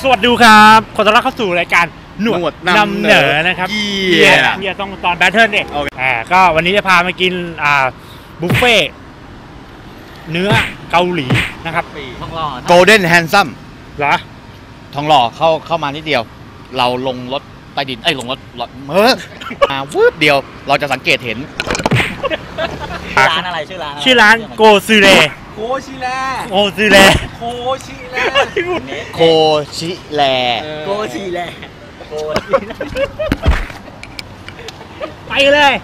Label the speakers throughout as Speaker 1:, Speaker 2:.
Speaker 1: สวัสดีครับขอต้อนรับเข้าสู่รายการหนวดนำเหนอนะครับเฮียต้องตอนแบทเทิลเนี่ยก็วันนี้จะพามากินบุฟเฟ่เนื้อเกาหลีนะครับ
Speaker 2: ทองหล่อ
Speaker 3: Golden Handsome
Speaker 1: เหรอ
Speaker 3: ทองหล่อเข้ามานิดเดียวเราลงรถใต้ดินลงรถวืบเดียวเราจะสังเกตเห็น
Speaker 2: ร้านอะไรชื่อ
Speaker 1: ร้านโกซูเร
Speaker 2: โคชิแล
Speaker 1: โกซูเร
Speaker 3: โคชิแล
Speaker 1: ไปเลย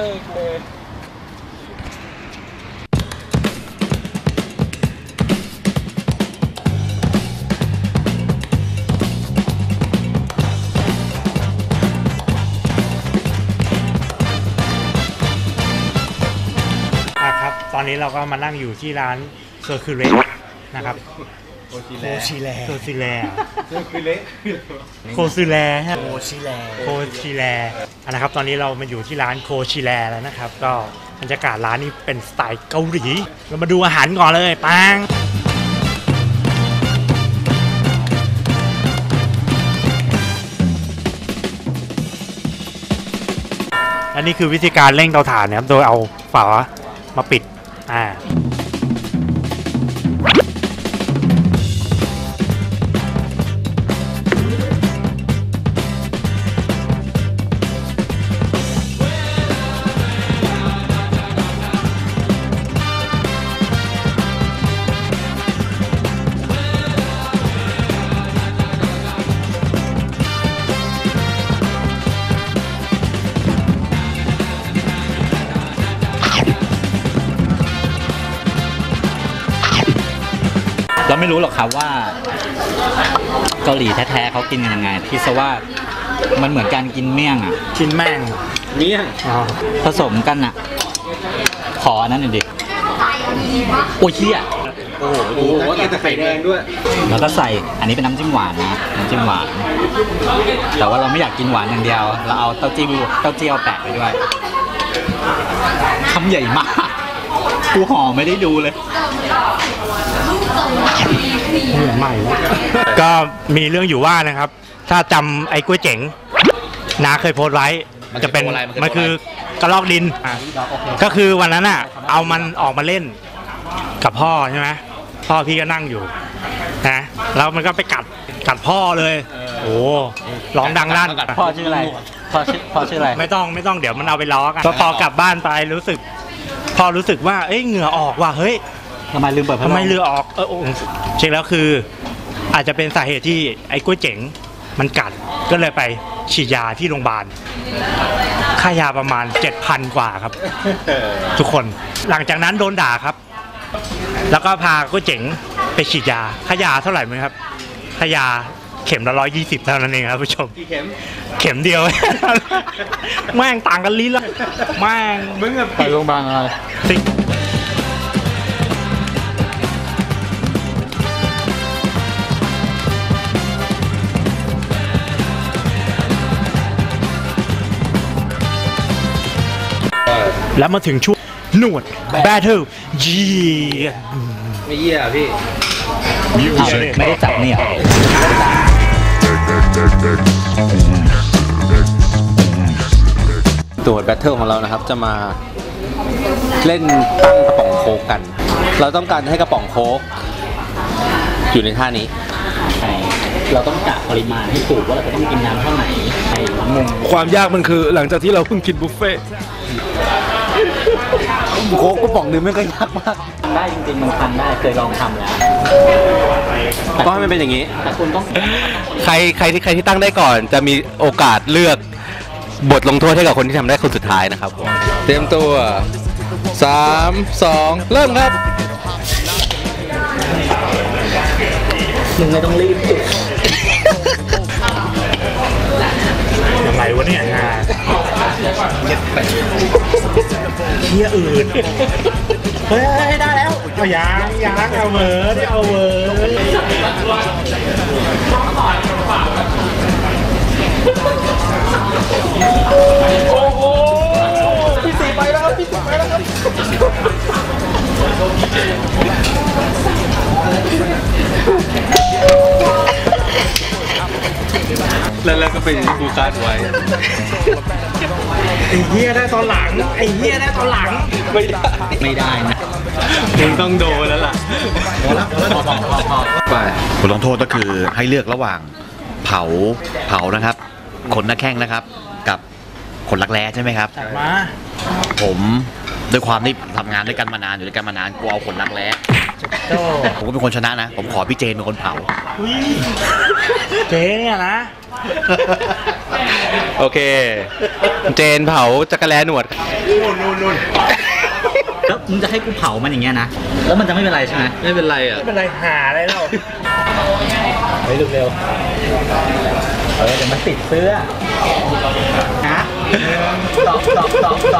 Speaker 1: ตอนนี้เราก็มานั่งอยู่ที่ร้านเซอร์คิวเลตนะครับโคชิแลนะครับตอนนี้เรามาอยู่ที่ร้านโคชิแลแล้วนะครับก็บรรยากาศร้านนี้เป็นสไตล์เกาหลีเรามาดูอาหารก่อนเลยปังอันนี้คือวิธีการเร่งเตาถ่านนะครับโดยเอาฝามาปิด
Speaker 2: เราไม่รู้หรอกครับว่าเกาหลีแท้ๆเขากินกันยังไงคิดซะว่ามันเหมือนการกินเมี่ยง
Speaker 1: กินแม่ง
Speaker 3: เมี่ยง
Speaker 2: ผสมกันขออันนั้นหน่อยดิโอ้ยเชี่ย
Speaker 3: โอ้โหแต่ไข่แดงด้วย
Speaker 2: แล้วก็ใส่อันนี้เป็นน้ำจิ้มหวานนะน้ำจิ้มหวานแต่ว่าเราไม่อยากกินหวานอย่างเดียวเราเอาเต้าเจี้ยวแปะไปด้วยคำใหญ่มากกูห่อไม่ได้ดูเลย
Speaker 1: ใหม่ก็มีเรื่องอยู่ว่านะครับถ้าจำไอ้ก๋วยเจ๋งน้าเคยโพสต์ไว้จะเป็นมันคือกระลอกดินก็คือวันนั้นเอามันออกมาเล่นกับพ่อใช่ไหมพ่อพี่ก็นั่งอยู่นะแล้วมันก็ไปกัดพ่อเลยโอ้ร้องดังลั่น
Speaker 2: พ่อชื่ออะไรพ่อชื่ออะไร
Speaker 1: ไม่ต้องเดี๋ยวมันเอาไปล้อกันพอกลับบ้านไปรู้สึกว่าเหงื่อออกว่ะเฮ้ย
Speaker 2: ทำไมลืมเปิดพัดลม
Speaker 1: ทำไมเรือออกเช็คแล้วคืออาจจะเป็นสาเหตุที่ไอ้ก๋วยเจ๋งมันกัดก็เลยไปฉีดยาที่โรงพยาบาลค่ายาประมาณ 7,000 กว่าครับทุกคนหลังจากนั้นโดนด่าครับแล้วก็พาก๋วยเจ๋งไปฉีดยาค่ายาเท่าไหร่ไหมครับค่ายาเข็มละ120เท่านั้นเองครับผู้ชมเข็มเดียวแม่งต่างกันลิ้นละแม่ง
Speaker 3: มึงไปโรงพยาบาลอะไร
Speaker 1: แล้วมาถึงช่วงหนวด Battle
Speaker 3: ไม่เยี่ยพี่
Speaker 2: ไม่ได้จับเนี่ย
Speaker 3: ตัวแบทเทิลของเรานะครับจะมาเล่นตั้งกระป๋องโค้กกันเราต้องการให้กระป๋องโค้กอยู่ในท่านี้
Speaker 2: เราต้องกะปริมาณให้ถูกว่าเราจะต้องกินน้ำเท่าไหร่
Speaker 3: ความยากมันคือหลังจากที่เราเพิ่งกินบุฟเฟ่โค้กกระป๋องนึงไม่ก็ยากมาก
Speaker 2: ได้จริงๆมันทำได้เคยลองทำแล้ว
Speaker 3: ก็ให้มันเป็นอย่างนี้
Speaker 2: แต่คุณต้อง
Speaker 3: ใครที่ตั้งได้ก่อนจะมีโอกาสเลือกบทลงโทษให้กับคนที่ทำได้คนสุดท้ายนะครับเตรียมตัว3 2เริ่มครับ
Speaker 2: มึงไม่ต้องรีบจุด
Speaker 1: ยังไงวะเนี่ยเฮียอื่นเฮ้ยได้แล้วยังเอาเวอร์ได้เอาเวอร์โอ้โหพี่สีไปแล้วครับ
Speaker 3: เป็นอย่างที่กูคาดไว้
Speaker 1: ไอ้เหี้ยได้ตอนหลังไอ้เหี้ยได้ตอนหลัง
Speaker 2: ไม่ได้นะ
Speaker 3: มึงต้องโดนแล้วล่ะ
Speaker 2: พอแล้ว
Speaker 3: ไป
Speaker 4: บทลงโทษก็คือให้เลือกระหว่างเผานะครับขนหน้าแข้งนะครับ กับขนรักแร้ใช่ไหมครับ
Speaker 1: จัดมา
Speaker 4: ผมด้วยความที่ทำงานด้วยกันมานานอยู่ด้วยกันมานานกูเอาขนรักแร้
Speaker 1: โจ้
Speaker 4: ผมก็เป็นคนชนะนะ ผมขอพี่เจนเป็นคนเผา
Speaker 1: อุ้ยเจ๊เนี่ยนะ
Speaker 3: โอเค เจนเผาจักรแลหนวด
Speaker 2: แล้วมึงจะให้กูเผามันอย่างเงี้ยนะ แล้วมันจะไม่เป็นไรใช่ไหม
Speaker 3: ไม่เป็นไรอ่ะ
Speaker 1: ไม่เป็นไรหาอะไรเรา
Speaker 2: เฮ้ยเร็วๆเดี๋ยวมันติดเสื้อนะตอบ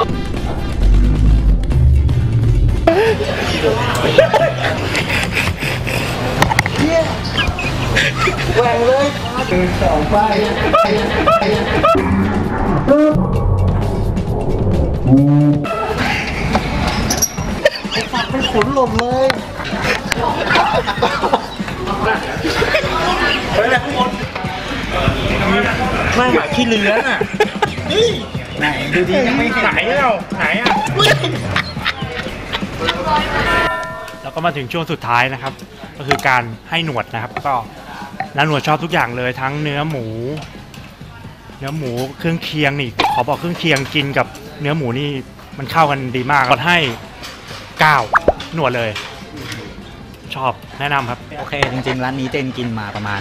Speaker 1: เฮ้ยแหละทุกคนไม่หาขี้เลื้อนอ่ะ
Speaker 2: ไหนดูดียังไม่เห็น
Speaker 1: ไหนเราไหนอ่ะแล้วก็มาถึงช่วงสุดท้ายนะครับ ก็คือการให้หนวดนะครับ ก็น้าหนวดชอบทุกอย่างเลยทั้งเนื้อหมูเครื่องเคียงนี่ขอบอกเครื่องเคียงกินกับเนื้อหมูนี่มันเข้ากันดีมากก็ให้9หนวดเลย ชอบแนะนำครับ
Speaker 2: โอเค จริงๆ ร้านนี้เจนกินมาประมาณ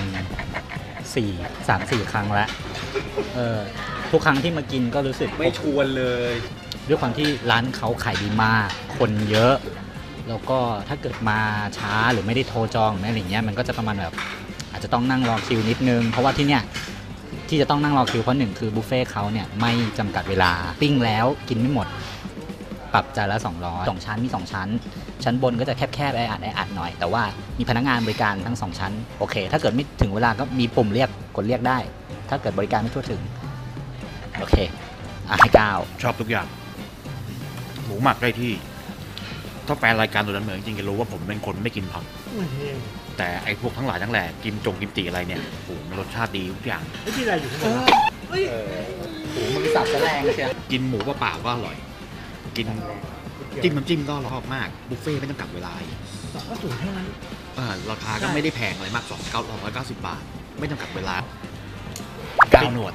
Speaker 2: 3-4 ครั้งแล้วทุกครั้งที่มากินก็รู้สึก
Speaker 3: ไม่ชวนเลย
Speaker 2: ด้วยความที่ร้านเขาขายดีมาก คนเยอะ แล้วก็ถ้าเกิดมาช้าหรือไม่ได้โทรจองอะไรอย่างเงี้ยมันก็จะประมาณแบบอาจจะต้องนั่งรอคิวนิดนึง เพราะว่าที่เนี้ยที่จะต้องนั่งรอคิวเพราะหนึ่งคือบุฟเฟ่ต์เขาเนี่ยไม่จำกัดเวลาปิ้งแล้วกินไม่หมด ปรับจานละ200 2ชั้นมี2ชั้นชั้นบนก็จะแคบๆแออัดหน่อยแต่ว่ามีพนักงานบริการทั้ง2ชั้นโอเคถ้าเกิดไม่ถึงเวลาก็มีปุ่มเรียกกดเรียกได้ ถ้าเกิดบริการไม่ทั่วถึงโอเคให้9
Speaker 4: ชอบทุกอย่าง หมูหมักได้ที่ ถ้าแฟนรายการตัวนั้นเหมือนจริงๆจะรู้ว่าผมเป็นคนไม่กินผัก แต่ไอ้พวกทั้งหลายทั้งแหล่กิมจิอะไรเนี่ยโอ้โหมันรสชาติดีทุกอย่าง
Speaker 1: ไม่ที่อะไรอยู่ข้างบน
Speaker 2: มึงสับแสดงเชียว
Speaker 4: กินหมูเปล่าๆก็อร่อย กินจิ้มน้ำจิ้มก็อร่อยมากบุฟเฟ่ต์ไม่จำกัดเวลา
Speaker 1: ก็สูงเท่านั้น
Speaker 4: ราคาก็ไม่ได้แพงอะไรมาก290 บาท ไม่จำกัดเวลา9หนวด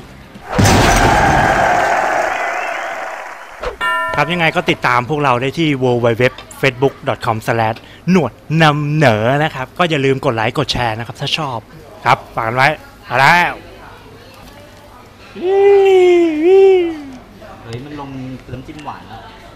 Speaker 1: ครับยังไงก็ติดตามพวกเราได้ที่ www.facebook.com/ หนวดนำเหนอนะครับ ก็อย่าลืมกดไลค์กดแชร์นะครับ ถ้าชอบครับฝากกันไว้เอาแล้ว
Speaker 2: เฮ้ยมันลงน้ำจิ้มหวานแล้ว